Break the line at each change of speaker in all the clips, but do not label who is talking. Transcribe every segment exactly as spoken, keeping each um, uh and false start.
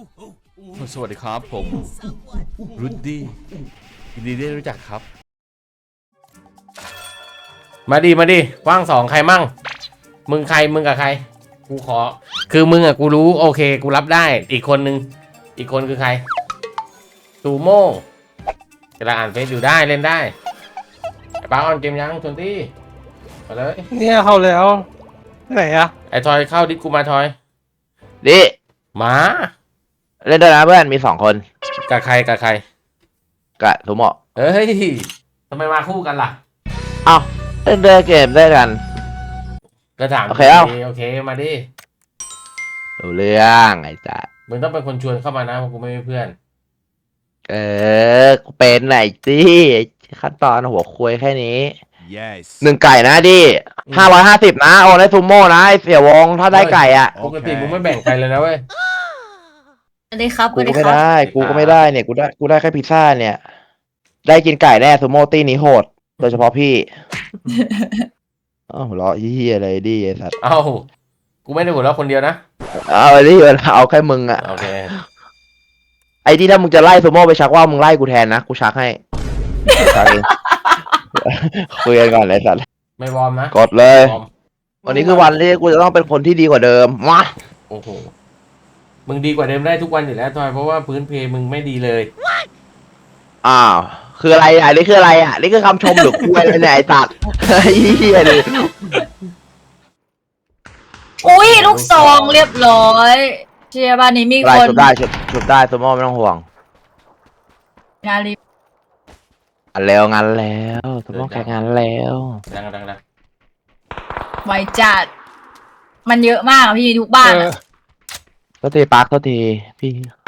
สวัสดีครับผมรุดดี้ยินดีได้รู้จักครับมาดิมาดิว่างสองใครมั่งมึงใครมึงกับใครกูขอคือมึงอะกูรู้โอเคกูรับได้อีกคนนึงอีกคนคือใครตูโม่เวลาอ่านเฟซอยู่ได้เล่นได้ไอ้ป้าออนเกมยังชวนตี้มาเลย
เนี่ยเข้าแล้วไหนอะ
ไอ้ทอยเข้าดิสกูมาทอย
ดิ
มา
เล่นด้วยนะเพื่อนมีสองคน
กับใครกับใคร
กะทุกหมอ
เฮ้ยทำไมมาคู่กันล่ะ
เอ้าเล่นด้วยเกมได้กัน
ก็ถาม
โอเคเอ้า
โอเคมาดิ
รู้เรื่องไอ้จ๊ะ
มึงต้องเป็นคนชวนเข้ามานะเพราะกูไม่มีเพื่อน
เออกูเป็นไหนสิขั้นตอนหัวคุยแค่นี้ yes. หนึ่งไก่นะดิห้าร้อยห้าสิบนะโอนให้ซูโม่นะไอเสี่ยวงถ้าได้ไก่อ่ะ
ปกติมึงไม่แบ่งใครเลยนะเว้ย
สวัสดีครับ
กูก็ไม่ได้กูก็ไม่ได้เนี่ยกูได้กูได้แค่พิซซ่าเนี่ยได้กินไก่แน่ซูโม่ตี้นี้โหดโดยเฉพาะพี่อ้าวหัวเราะเฮียอะไรดิไอ้สัตว์
เอ้ากูไม่ได้หัวเราะคนเดียวนะ
เอาดิเอาแค่มึงอ่ะ
โอเค
ไอ้ที่ถ้ามึงจะไล่ซูโม่ไปชักว่ามึงไล่กูแทนนะกูชักให้ชักเองคุยกันก่อนเลยสัตว์
ไม่วอร์มนะ
กดเลยวันนี้คือวันที่กูจะต้องเป็นคนที่ดีกว่าเดิมมา
โอ้โหมึงดีกว่าเดิมได้ทุกวันอยู่แล้วทอยเพราะว่าพื้นเพมึงไม่ดีเลย
อ้าวคืออะไรอ่ะนี่คืออะไรอ่ะนี่คือคำชมหรือคุยอะไรเนี่ยไอ้สัตว์เฮียดิ
อุ้ยลูกซองเรียบร้อยเชียร์บ้านนี้มีคน
ชุบได้ชุบชุบได้ซูโม่ไม่ต้องห่วง
งานรีบ
งานแล้วงานแล้วซูโม่แข่งงานแล้ว
ดังดังดัง
ไวจัดมันเยอะมากพี่ทุกบ้าน
โทษทีปาร์คโทษทีพี่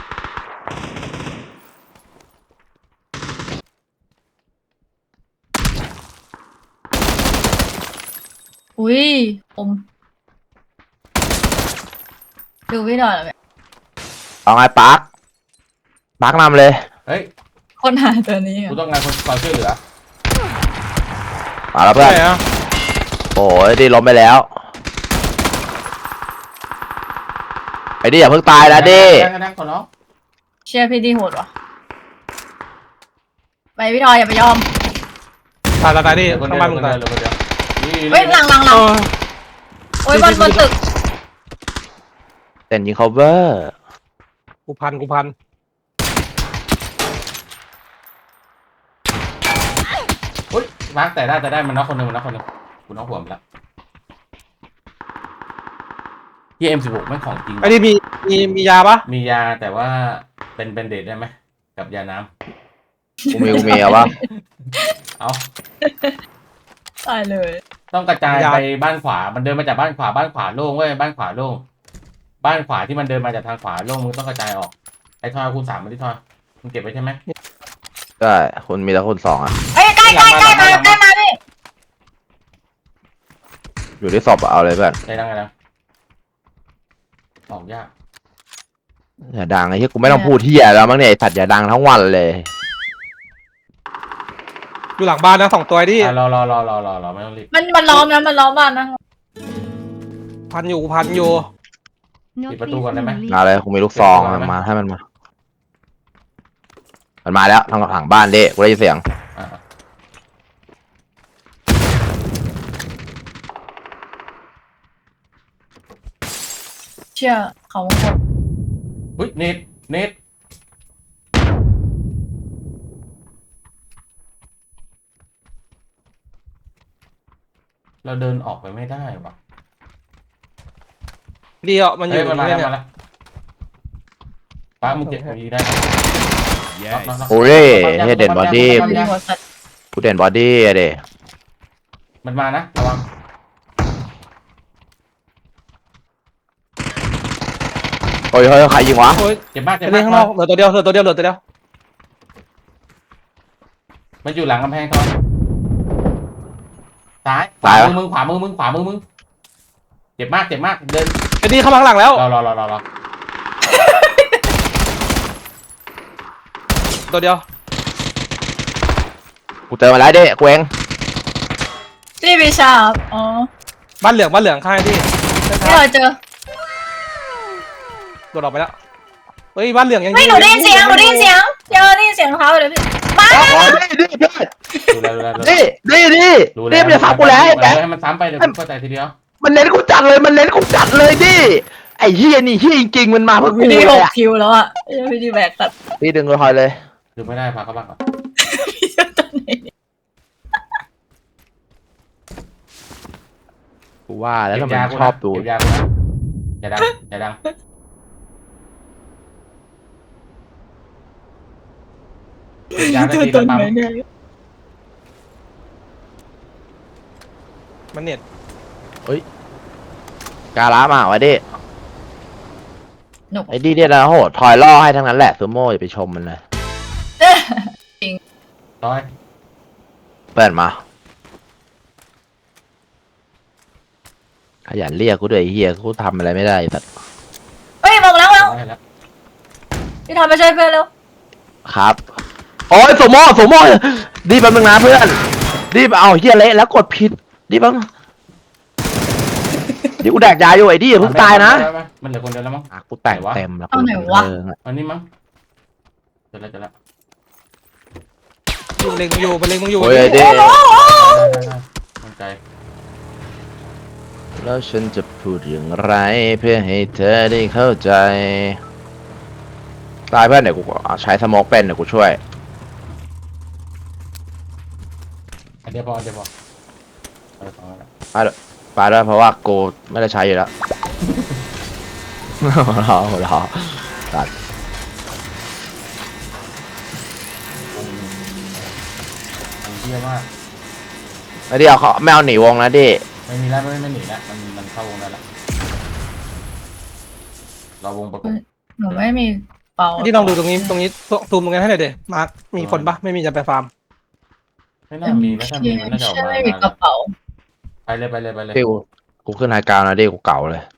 อุ้ยผมดูพี่หน่อยเลย
เอาไงปาร์คปาร์คนำเลย
เฮ้ย
คนหาตัวนี้
กูต้องการคนคอยช่วยเหลือ
มาแล้วเพื่อนโอ้ยดีล้มไปแล้วไอ้ดิอย่าเพิ่งตายนะดิ
เชียร์พี่ดีโหดวะไปพี่ทอยอย่าไปยอม
ตายตายดิทำไมมึงตาย
เฮ้ยหลังหลังหลังโอ้ยบนบนตึก
เต้นยิง cover
กูพันกูพัน
เฮ้ยมาร์กแต่ได้แต่ได้มันน็อกคนหนึ่งมันน็อกคนหนึ่งกูน็อกหัวมันแล้วที่เอ็มสิบหกไม่ของจริง
ไอ้นี่มีมีมียาปะ
มียาแต่ว่าเป็นเป็นเดทได้ไหมกับยาน้
ำกูมีกูมีเอาปะ
เอา
ตายเลย
ต้องกระจายไปบ้านขวามันเดินมาจากบ้านขวาบ้านขวาโล่งเว้ยบ้านขวาโล่งบ้านขวาที่มันเดินมาจากทางขวาโล่งมึงต้องกระจายออกไอ้ทอยคูณสามมาที่ทอยมึงเก็บไว้ใช่ไหม
ได้คุณมีแล้วคุณสองอ่ะ
เฮ้ยใกล้ใกล้ใกล้มาใกล้มาพี่
อยู่ที่ศพเอาเลยเพื่อน
ได้ดังไงดังออกยาก
อย่าดังไอ้ที่กูไม่ต้องพูดที่อย่าแล้วมั้งเนี่ยไอ้สัตว์อย่าดังทั้งวันเลย
อยู่หลังบ้านนะสองตัวดิ
รอรอรอรอรอรอไม่ต้องรีบ
มันมันล้อมนะมันล้อมบ้านนะ
พันอยู่พันอยู่
ปิดประตูก่อนได้ไหม
มาเลยกูมีลูกซองมาให้มันมามันมาแล้วทางหลังบ้านดิกูได้ยินเสียง
เชื่อเขาหมด
เฮ้ยเน็ตเน็ตเราเดินออกไปไม่ได้วะ
เดียวมันอยู่
มาแล้วมาแล้วป้ามึงเก็บของยีได้
โอ้ยเฮเด่นบอดี้กูเด่นบอดี้อะเด็
มันมานะระวัง
โอ้ยเฮ้ยใครยิงวะ
เจ็บมากเจ็บ
มากข้างนอกเหลือตัวเดียวเหลือตัวเดียวเหลือตัวเดียว
มันอยู่หลังกำแพงทอยซ้ายขวามือมึงขวามือมึงขวามือมึงเจ็บมากเจ็บมากเดิน
ไอ้นี่เข้ามาข้างหลังแล้ว
รอรอรอรอรอ
ตัวเดียว
กูเจอมาแล้วเด้กูเอง
พี่วิชาอ๋อ
บ้านเหลืองบ้านเหลืองข้างที่
ไม่เคยเจอ
โดดออกไปแล้วเฮ้ยบ้านเหลืองยัง
ไม่หนูได้ยินเสียงหนูได้ยินเสียงเจอได้ยินเสียงเท้าเลยพี่มา
อ๋อนี่นี่เพื่อน
ดูแลดูแลดูแล
นี่นี่นี่
ดู
นี่มันจะซ้ำกูแล้วไอ้แบงค์
ให้มันซ้ำไปเดี๋ยวกูเข้าใจทีเดียว
มันเน้นกูจัดเลยมันเน้นกูจัดเลยดิไอ้เฮียนี่เฮียจริงๆมันมาเพื่อกู
พี่ดี
เล
ห
ย
ก
อะ
คิวแล้วอ่ะพี่ดีแบกตัด
พี่ดึงเลยคอยเลย
ดูไม่ได้พาเข้าบ้านก่อน
พี่จะตัดไหน
กูว่าแล้วทำไม
เก็ยา
มัน
กู
ชอบดู
เก็บยากูนะอย่าดังอย่าดังเก็บยาได้
จะ
ที
ตั
ละ
ด
ปั๊ม
ไหนเนี่ย
มันเน็ต
กาล้ามาวะดิ
หนุก
ไอ้ดิเนี่ยนะโหถอยล่อให้ทั้งนั้นแหละซูโม่อย่าไปชมมันเลย
ร้อย
เปิดมาขยันเรียกกูด้วยไอ้เฮียกูทำอะไรไม่ได้แต่
เฮ้ยบอกแล้วแล้ว
ร้อยแล้ว
พี่ทำไปช่วยเพื่อนแล้ว
ครับโอ้ยซูโม่ซูโม่ดีแป๊บนึงนะเพื่อนดีเอาเฮียเละแล้วกดผิดดีแป๊บนึงดิกูแดกยาอยู่ไอ้ดิอย่าเพิ่งตายนะ
มันเหลือคนเดียวแล้วมั้ง
อ่ะกูแต่งเต็มแล้วกู
อันนี้มั้งเจอแล้วเจอแล้ว
อยู่เล็งมึงอยู่มันเล็งมึงอยู่
โอ้ยไอ้ดิ
ได้ได้ได้มั่นใจ
แล้วฉันจะพูดอย่างไรเพื่อให้เธอได้เข้าใจตายเพื่อนเดี๋ยวกูใช้สโมกเป็นเดี๋ยวกูช่วย
อันเดียวพออันเดียวพอเอาไปสองแล้ว
ไปด้วยไปด้วยเพราะว่ากูไม่ได้ใช้อยู่แล้ว หัวเราะหัวเราะตัด
มันเที่ยมาก
ไอ้ดิเอาเขาไม่เอาหนีวงนะดิ
ไม่มีแล้วไม่ไม่หนีแล้วมันมันเข้าวงได้แล้วเราวงประกบ
หนูไม่มีเป่า
ที่ลองดูตรงนี้ตรงนี้ซูมตรงนี้ให้หน่อยเดี๋ยวมาร์คมีคนปะไม่มีจะไปฟาร์ม
ไม่น่ามีนะถ้ามีมันน่าจะออกมา
ไม่มีกระเป๋า
ไปเลยไปเลยไปเลย
ดิกูกูขึ้นไฮกราวน์นะดิกูเก่าเลย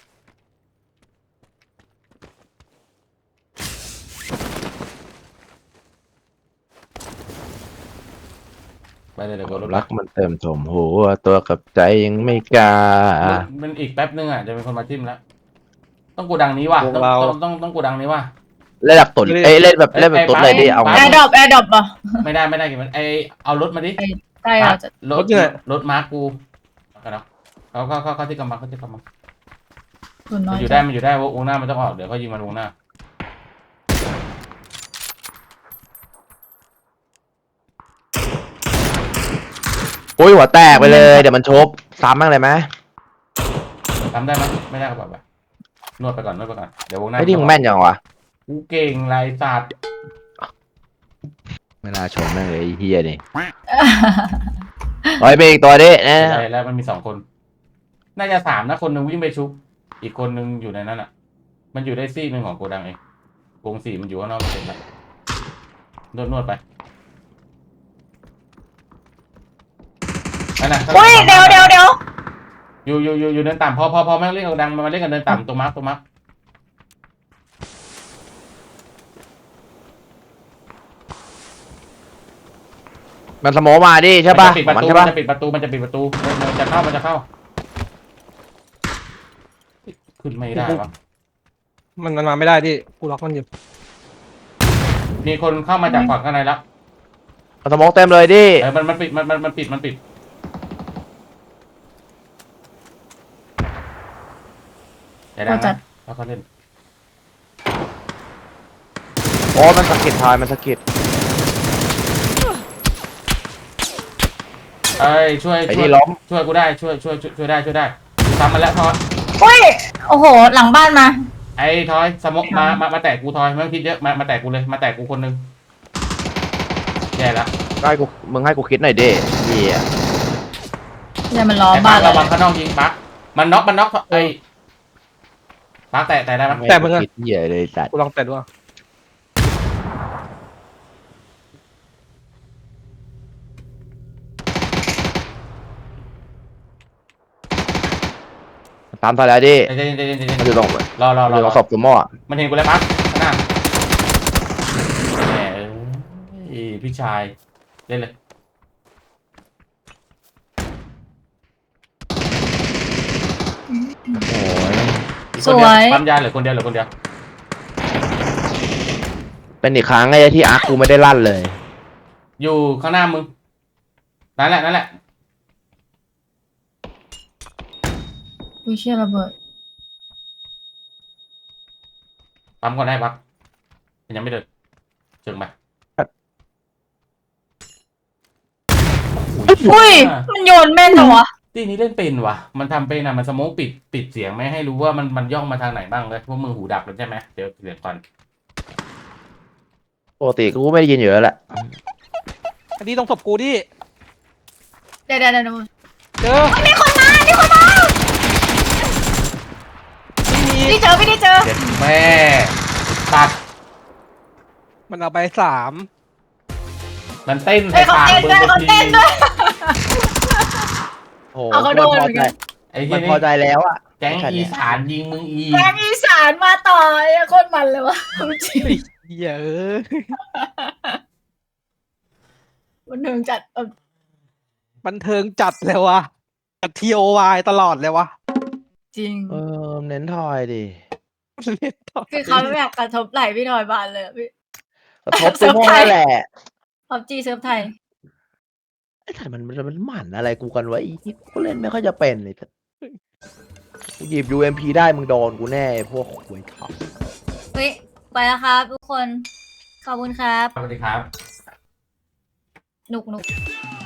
ไปเลยเดี๋ยวกูรถ
รักมันเต็มถมหัวตัวกับใจยังไม่กล้า
มันอีกแป๊บนึงอ่ะจะเป็นคนมาจิ้มแล้วต้องกูดังนี้ว่ะต้องต้องต้องต้องกูดังนี้ว่ะ
เล่นแบบตุ่นเอ้ยเล่นแบบเล่นแบบตุ่นเลยดิเอา
แอ
ไง
ร์ดรอปแอร์ดรอปป่ะ
ไม่ได้ไม่ได้กี่มันไอเอารถมาดิ
ใช่เราจะ
รถรถมาร์คกูกันเนาะเขาเขาเขาเขาที่กำบังเขาที่กำบัง
คุณน้
มั
อน ย
อยู่ได้มันอยู่ได้วงหน้ามันต้องออกเดี๋ยวเขายิงมันวงหน้า
โอ้ยหัวแตกไปเลยเดี๋ยวมันชบซ้ำบ้างเลยไหม
ทำได้ไหมไม่ได้ก็แบบแบบนวดไปก่อนนวดไปก่อนเดี๋ยววงหน้า
ไอ้ดิมึงแม่นยังวะ
กูเก่งลายศาสตร์
ไม่น่าชมแม่งเลยไอ้เฮียนี่เฮ้ยมีอีกตัวดิเนะ
ใช่แล้วมันมีสองคน น่าจะสามนะคนหนึ่งวิ่งไปชุบอีกคนหนึ่งอยู่ในนั้นอ่ะ มันอยู่ได้ซี่หนึ่งของโกดังเองวงสี่มันอยู่ข้างนอกเสร็จแล้วนวดนวดไปนั่นน่ะ
อุ้ยเดี๋ยวเดี๋ยวเดี๋ยว
อยู่อยู่อยู่อยู่เดินต่ำพอพอพอไม่เล่นกับดังมาเล่นกันเดินต่ำตรงมาร์คตรงมาร์ค
มันสโมมาดิใช่ป่ะ
มันจะปิดประตู
มันใช่
มัน
ป่ะ
จะปิดประตูมันจะปิดประตูมันจะเข้ามันจะเข้าขึ้นไม่ได้วะ
มันมันมาไม่ได้ที่กูล็อกมันอยู่
มีคนเข้ามาจากฝั่งข้างในแล้ว
มันสโมเต็มเลยดิ
เออมันมันปิดมันมันมันปิดมันปิดอย่าดังนะแล้วเขาเล่น
โอ้มันสะกิดทอยมันสะกิด
เอ้ยช่วย
ไอ้
ช่วย
นี่ล้ม
ช่วยกูได้ช่วยช่วยช่วยช่วยได้ช่วยได้ทำมันแล้วทอย
อุ้ยโอ้โหหลังบ้านมา
ไอ้ทอยสมกมามามาแตะกูทอยไม่ต้องคิดเยอะมามาแตะกูเลยมาแตะกูคนนึงแย่ละ
ได้กูมึงให้กูคิดหน่อยดิเฮีย
เดี๋ยวมันล้อม
ไอ้
บ้า
ปั
น
ก
เรา
ระวังข้างนอกยิงปักมันน็อกมันน็อกไอ้ปักแตะแตะได้ไหม
แต่มึงอะ
คิดเฮียเลยสัตว์
กูลองแต่ดูว่า
ตามทอยแล้วดิ
เดี๋ยวเดี๋ยวเดี๋ยวเดี๋ยว
มันอยู่ตรง
รอรอ
มัน
ร
อ
อยู่
ตรงศพซูโม่อะ
มันเห็นกูแล้วปักข้างหน้าแหมเอ้ยพี่ชายเล่นเลย
โอ้ย
อีกคนเดียวปั๊มยาเหลือคนเดียวเหลือคนเดียว
เป็นอีกครั้งไงที่อาร์คกูไม่ได้ลั่นเลย
อยู่ข้างหน้ามึงนั่นแหละนั่นแหละ
อุ้ยเชี่ยระเบิด
ปั๊มก่อนได้ปั๊บยังไม่เดินเชิงไป
อุ้ยมันโยนแม่นเหรอวะ
ตีนี้เล่นเป็นวะมันทำเป็นอะมันสโมกปิดปิดเสียงไม่ให้รู้ว่ามันมันย่องมาทางไหนบ้างเลยพวกมึงหูดับแล้วใช่ไหมเดี๋ยวเดี๋ยวก่อน
ปกติกูไม่ได้ยินอยู่แล้วแหละ
อันนี้ต้องศพกูดิ
เดี๋ยวเดี๋ยวเดี๋ยว
เจอ
มีคนมามีคนมา
ไม่มี
ไม่ได้เจอไม่ได้เจอ
เด็ดแม่ตัด
มันเอาไปสาม
มันเต้น
เฮ้
ใส่
ยเขา
ปาก
เต้น
มึง
ด้วย
บาง
เขา
ที
เต้นด้วย
โอ้
เอาเขาโดน
มั
เหมือนกัน
ไอ้
มั
ที่
น
นี่
พอใจแล้วอะ
แก๊งอีสานยิงมึงอีก
แกงอีสานมาต่อไอ้โคตรมันเลยวะจริง
เหี้ยเออ
มันเทิงจัดเออ
บันเทิงจัดเลยวะจัดทีโอวายตลอดเลยวะ
จริง
เออเน้นทอยดิ
เล่นต่อ
คือเขาไม่อยากกระทบไหลพี่ทอยบานเลยอะพี่
กระทบซูโม่นั่นแหละ
พับจีเซิร์ฟไทย
ไอ้ถ่ายมันมันมันหมั่นอะไรกูกันวะอีที่กูเล่นไม่ค่อยจะเป็นเลยกูหยิบ ยู เอ็ม พี ได้มึงโดนกูแน่ไอ้พวกหวยท็อป
เฮ้ย ไปแล้วครับทุกคน ขอบคุณครับ
สวัสดีครับ
หนุกหนุก